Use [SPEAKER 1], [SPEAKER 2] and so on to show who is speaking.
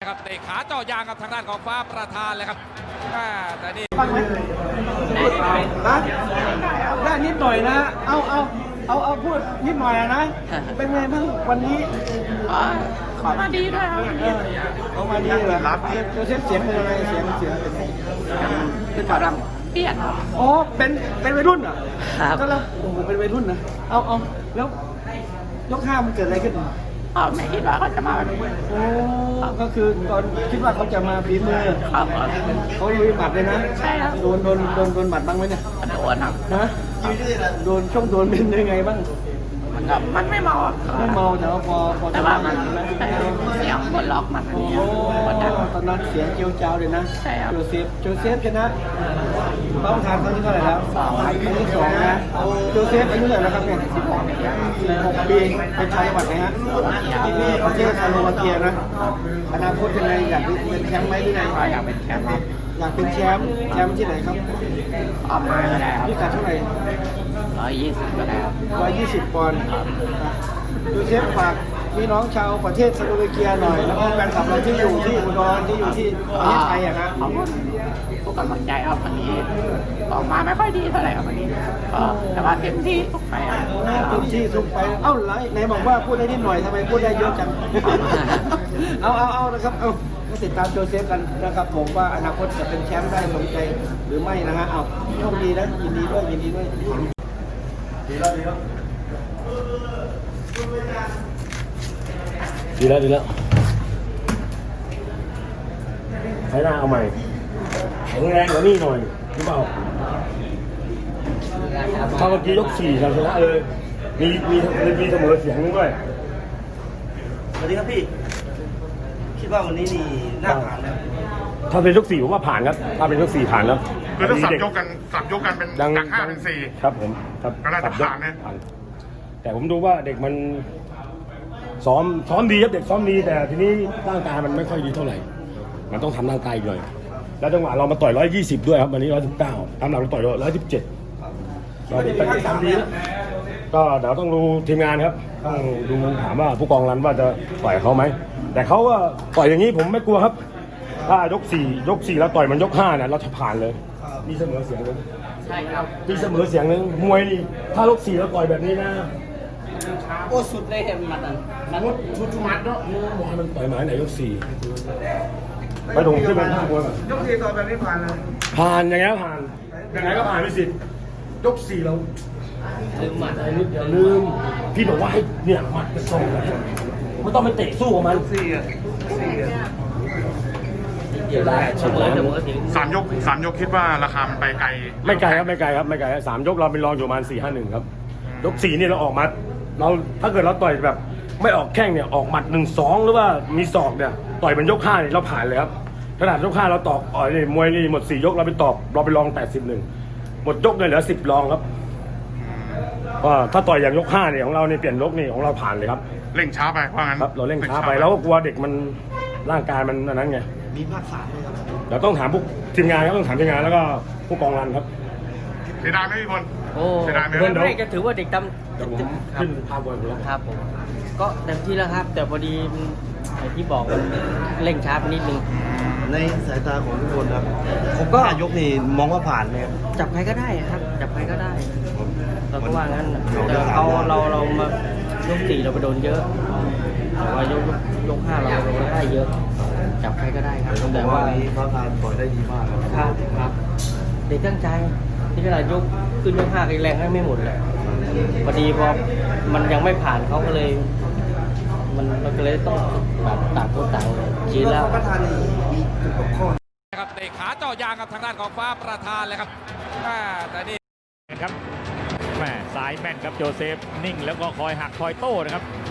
[SPEAKER 1] ครับเตะขาเจาะยางกับทางด้านของฟ้าประธานเลยครับแต่นี่
[SPEAKER 2] บ้างไหมได้นิดหน่อยนะเอาพูดนิดหน่อยนะเป็นไงบ้างวันนี้
[SPEAKER 3] ขอมาดีด้วยครับ
[SPEAKER 2] เอามาดีเหรอรับเสียงเป็นยังไงเสียงเป็นฝาดำ
[SPEAKER 3] เปลี่ยน
[SPEAKER 2] อ๋อเป็นวัยรุ่นเหรอ
[SPEAKER 3] ครับ
[SPEAKER 2] ก็แล้วโอ้โหเป็นวัยรุ่นนะเอาแล้วยกห้ามันเกิดอะไรขึ้น
[SPEAKER 3] ไม่คิดว่าเขาจะมาแบบนี้
[SPEAKER 2] โอ้ก็คือตอนคิดว่าเขาจะมาฝีมือ
[SPEAKER 3] ครับ
[SPEAKER 2] เขาลุยหมัดเลยนะ
[SPEAKER 3] ใช่ครับ
[SPEAKER 2] โดนหมัดบ้างไหมเนี่ย
[SPEAKER 3] โดนครับ
[SPEAKER 2] นะโดนเป็นยังไงบ้าง
[SPEAKER 3] มันไม่เมา
[SPEAKER 2] ไม่เมาแต่ว่าพอ
[SPEAKER 3] แต่ว่ามันเสียงบนล็อกมัน
[SPEAKER 2] โอ้ตอนนั้นเสียงเจียวจ้าวเลยนะ
[SPEAKER 3] ใช่ครับ
[SPEAKER 2] โจเซฟชนะป้าประธานเขาที่เท่าไหร่แล้วครั้งที่สองนะโจเซฟอายุเท่าไหร่แล้วครับเนี่ย16 ปีเป็นชาวจังหวัดไหนฮะประเทศสโลวาเกียนะอนาคตยังไงอยากเป็นแชมป์ไหมที่ไหน
[SPEAKER 3] อยากเป็นแชมป์ครับ
[SPEAKER 2] อยากเป็นแชมป์ที่ไหนครับ
[SPEAKER 3] ออกมาก็ได้ครับ
[SPEAKER 2] พิกัดเท่าไหร่
[SPEAKER 3] 120ก็ได้ครับ
[SPEAKER 2] 120 ปอนด์โจเซฟฝากพี่น้องชาวประเทศสโลวาเกียหน่อยแล้วก็แฟนคลับเราที่อยู่ที่อุดรที่อยู่ที่ประเทศไทยอะครับ
[SPEAKER 3] ขอบคุณทุกกำลังใจครับวันนี้ออกมาไม่ค่อยดีเท่าไหร่ครับวันนี้แต่ว่าเต็มที่ทุกไป
[SPEAKER 2] เต็มที่ทุกไปเอ้าไหนบอกว่าพูดได้นิดหน่อยทำไมพูดได้เยอะจังเอานะครับเอาติดตามโจเซฟกันนะครับผมว่าอนาคตจะเป็นแชมป์ได้สมใจหรือไม่นะฮะเอาโชคดีนะยินดีด้วยดีแล้ว
[SPEAKER 4] ใช้หน้าเอาใหม่แข็งแรงกว่านี้หน่อยหรือเปล่าถ้าเมื่อกี้ยก4ชนะเลยมีเสมอเสียงด้วย
[SPEAKER 2] สวัสดีครับพี่คิดว่าวันนี้นี่น่าผ่านแล้ว
[SPEAKER 4] ถ้าเป็นยก4ผมว่าผ่านครับถ้าเป็นยก4ผ่านแล้ว
[SPEAKER 5] คือถ้าสับยกกันเป็นจาก5เป็น4
[SPEAKER 4] ครับผม
[SPEAKER 5] ก็น่าจะผ่านนะ
[SPEAKER 4] แต่ผมดูว่าเด็กมันซ้อมดีครับเด็กซ้อมดีแต่ทีนี้ร่างกายมันไม่ค่อยดีเท่าไหร่มันต้องทำร่างกายหน่อยแล้วจังหวะเรามาต่อย120ด้วยครับวันนี้119ตามหลังเราต่อย117เราเป็นทำดีก็เดี๋ยวต้องดูทีมงานครับต้องดูถามว่าผู้กองรันว่าจะต่อยเขาไหมแต่เขาก็ต่อยอย่างนี้ผมไม่กลัวครับถ้ายก4แล้วต่อยมันยก5เนี่ยเราจะผ่านเลยมีเสมอเสียงนึง
[SPEAKER 3] ใช่ครับ
[SPEAKER 4] มีเสมอเสียงนึงมวยนี่ถ้ายก4แล้วต่อยแบบนี้นะ
[SPEAKER 3] โอ้สุดเลยเห็นมัดนั้น
[SPEAKER 4] ชุดมัดเนาะมันต่อยหมายไหนยก4ไปตรงที่มันท่ามวย
[SPEAKER 2] ยก4ต่อยแบบนี้ผ่านเลย
[SPEAKER 4] ผ่านยังไงก็ผ่านไม่สิยก4เรา
[SPEAKER 3] ลืมหมัดอะไร
[SPEAKER 4] นิดเดียวลืมพี่บอกว่าให้เนี่ยหมัดกระส่งไม่ต้องไปเตะสู้กับมัน
[SPEAKER 3] เดี๋ยวได้เฉลยเสมอถึง
[SPEAKER 5] 3 ยกคิดว่าราคามันไปไกล
[SPEAKER 4] ไม่ไกลครับ3 ยกเราเป็นรองอยู่ประมาณ4-5-1ครับยก4นี่เราออกมาเราถ้าเกิดเราต่อยแบบไม่ออกแข้งเนี่ยออกหมัด1-2หรือว่ามีศอกเนี่ยต่อยเป็นยก5เนี่ยเราผ่านเลยครับขนาดยก5เราตอกนี่มวยนี่หมด4 ยกเราไปรอง81หมดยกเนี่ยเหลือ10รองครับว่าถ้าต่อยอย่างยก5เนี่ยของเราเนี่ยเปลี่ยนยกนี่ของเราผ่านเลยครับ
[SPEAKER 5] เร่งช้าไปว่างั้น
[SPEAKER 4] ครับเราเร่งช้าไปแล้วก็กลัวเด็กมันร่างกายมันนั้นไง
[SPEAKER 2] มีภาค3ไหมครับ
[SPEAKER 4] เดี๋ยวต้องถามพวกทีมงานครับต้องถามทีมงานแล้วก็ผู้กองรันครับ
[SPEAKER 5] เสียดายไหมพี่พล
[SPEAKER 3] เสียดายไหมไม่ก็ถือว่าเด็ก
[SPEAKER 4] ผมขึ้นพาบอลแล้ว
[SPEAKER 3] ครับผมก็เต็มที่แล้วครับแต่พอดีอย่างที่บอกเร่งช้าไปนิดนึง
[SPEAKER 2] ในสายตาของทุกคนครับผมก็ยกนี่มองว่าผ่านไหมครับ
[SPEAKER 3] จับใครก็ได้ครับจับใครก็ได้เราก็ว่างั้นแต่เรามายก4เราไปโดนเยอะแต่ว่ายก5เราได้เยอะจับใครก็ได้ครับ
[SPEAKER 2] แต่ว่านี้เขาทานต่อยได้ดีมาก
[SPEAKER 3] ครับเด็กตั้งใจที่เวลายกขึ้นยก5แรงให้ไม่หมดเลยพอดีพอมันยังไม่ผ่านเขาก็เลยมันก็เลยต้องแบบต่างคนต่างชี้แล้ว
[SPEAKER 2] ประธานมีข้อ
[SPEAKER 1] ครับเตะขาเจาะยางกับทางด้านของฟ้าประธานเลยครับแต่นี่
[SPEAKER 6] ครับแม่ซ้ายแม่นครับโจเซฟนิ่งแล้วก็คอยหักคอยโต้นะครับ